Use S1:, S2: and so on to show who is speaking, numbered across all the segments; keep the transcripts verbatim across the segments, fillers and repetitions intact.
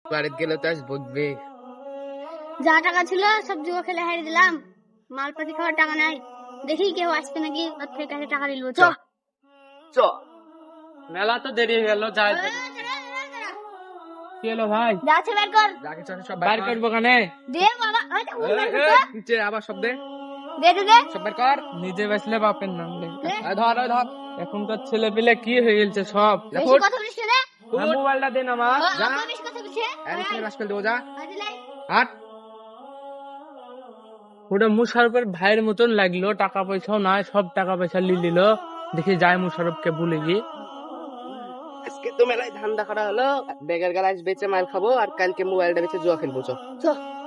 S1: বাড়িতে গেলে তো আজ বকবে।
S2: যা টাকা ছিল সব জুয়া খেলে হারিয়ে দিলাম, মালপাতি খাওয়ার টাকা নাই। দেখি কেউ আসছে নাকি, ওর থেকে কাছে টাকা নিল। চ
S1: চ মেলা তো দেরি হয়ে গেল, যাই। কি হলো ভাই?
S2: যাচ্ছে বের কর।
S1: যাকে চাচ্ছে সব বাইর করবো কানে।
S2: দে বাবা, ওই তো উল্টা
S1: এই,
S2: দিতো।
S1: এই, নিচে আবার সব দে।
S2: দে দে দে।
S1: সব বের কর। নিজে বেচলে বাপের নাম লে। এই ধর, এই ধর। এখনকার ছেলে পেলে কি হয়ে গেছে সব।
S2: বেশি কথা বলিস না রে।
S1: মোবাইলটা দে না মা।
S2: ও,
S1: যা।
S2: আপা বেশি কথা বলছে।
S1: এর থেকে রাস্কেল দেবো, যা।
S2: আজ লাই।
S1: হাট। ওটা মুশারফের ভাইয়ের মতন লাগলো, টাকা পয়সাও নাই, সব টাকা পয়সা লি নিল। দেখি যায় মুশারফকে ভুলে গিয়ে। আজকে তো মেলায় ধান্দা করা হলো, বেগের গালাজ বেচে মাল খাবো আর কালকে মোবাইলটা বেচে জুয়া খেলবো। চ
S2: চ।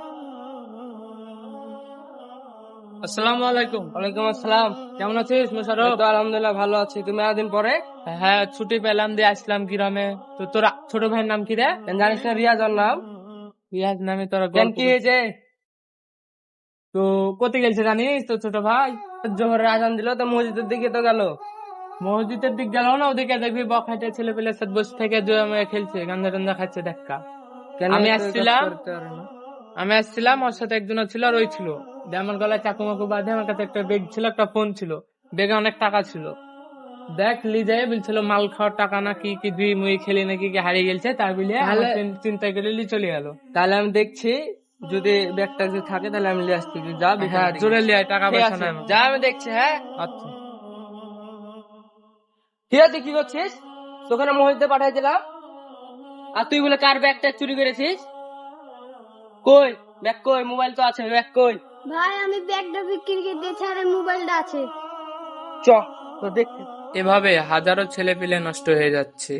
S1: আসসালামু আলাইকুম। ওয়ালাইকুম আসসালাম। কেমন আছিস মুশারফ? তো আলহামদুলিল্লাহ ভালো আছি। তুমি এতদিন পরে? হ্যাঁ, ছুটি পেলাম দিয়ে আসলাম গ্রামে। তো তোর ছোট ভাইয়ের নাম কি রে? জানিস না রিয়াজর নাম? রিয়াজ নামে তোর কি হয়েছে? তো কোথায় গেছে জানিস তো ছোট ভাই? জোহরের আজান দিল তো মসজিদের দিকে তো গেল। মসজিদের দিক গেল না, ওদিকে দেখবি বখাটে ছেলে পেলে সাথে বসে থেকে জুয়া মেয়ে খেলছে, গান্দা টান্দা খাচ্ছে দেখা। আমি আসছিলাম আমি আসছিলাম ওর সাথে একজন ছিল আর ওই ছিল। দিয়ে আমার গলায় চাকু মাকু বাঁধে, আমার কাছে একটা বেগ ছিল, একটা ফোন ছিল, বেগে অনেক টাকা ছিল। দেখ লি যায় বলছিল মাল খাওয়ার টাকা না কি কি দুই মুই খেলি নাকি কি হারিয়ে গেছে, তাই বলে চিন্তা করে লি চলে গেল। তাহলে আমি দেখছি যদি ব্যাগটা যদি থাকে তাহলে আমি লিয়ে আসছি। যা, হ্যাঁ জোরে লিয়ে আয়, টাকা পয়সা নাই। যা, আমি দেখছি। হ্যাঁ আচ্ছা ঠিক আছে। কি করছিস? তোখানে মসজিদে পাঠাই দিলাম আর তুই বলে কার ব্যাগটা চুরি করেছিস? কই ব্যাগ? কই মোবাইল তো আছে, ব্যাগ কই?
S2: ভাই আমি ব্যাগটা বিক্রি করে দিয়েছি আর মোবাইলটা আছে।
S1: চ তো দেখতে। এভাবে হাজারো ছেলে পেলে নষ্ট হয়ে যাচ্ছে।